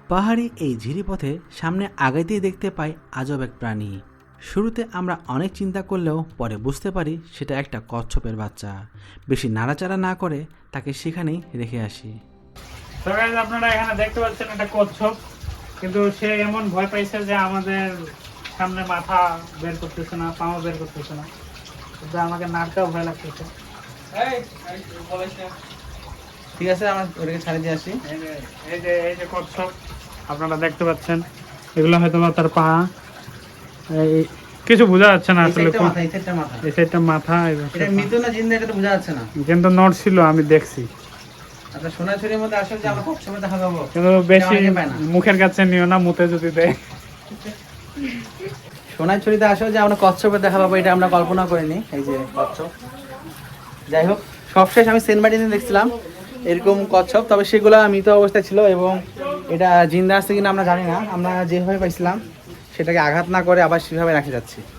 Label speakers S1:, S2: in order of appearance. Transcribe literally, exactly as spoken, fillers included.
S1: পাহাড়ি এই ঝিরিপথে সামনে আগাইতেই দেখতে পাই আজব এক প্রাণী। শুরুতে আমরা অনেক চিন্তা করলেও পরে বুঝতে পারি সেটা একটা কচ্ছপের বাচ্চা। বেশি নাড়াচাড়া না করে তাকে সেখানেই রেখে আসি।
S2: তো গাইস, আপনারা এখানে দেখতে পাচ্ছেন একটা কচ্ছপ, কিন্তু সে এমন ভয় পাইছে যে আমাদের সামনে মাথা বের করতেছে না, পাও বের করতেছে না, কিন্তু আমাকে নাড়তেও ভয় লাগতেছে।
S1: ঠিক আছে, আমার ওটাকে ছাড়িয়ে দিয়ে আসি।
S2: এই যে এই যে এই যে কচ্ছপ আপনারা দেখতে পাচ্ছেন, এগুলো হয়তো বা তার পা, এই কিছু বোঝা যাচ্ছে না আসলে। এই সাইডটা মাথা,
S1: এটা মৃত না জিন্দা এটা তো বোঝা যাচ্ছে না,
S2: কিন্তু নট ছিল, আমি দেখছি।
S1: আচ্ছা, সোনাঝুরির মধ্যে আসলে যে আমরা কচ্ছপে দেখা পাবো,
S2: কিন্তু বেশি মুখের কাছে নিও না, মুতে যদি দেয়।
S1: সোনাঝুরিতে আসলে যে আমরা কচ্ছপে দেখা পাবো এটা আমরা কল্পনা করিনি। এই যে কচ্ছপ, যাই হোক, সবশেষ আমি সেন্টমার্টিনে দেখছিলাম এরকম কচ্ছপ, তবে সেগুলো মৃত অবস্থায় ছিল এবং এটা জিন্দা আছে কিনা আমরা জানি না। আমরা যেভাবে পাইছিলাম সেটাকে আঘাত না করে আবার সেভাবে রাখে যাচ্ছি।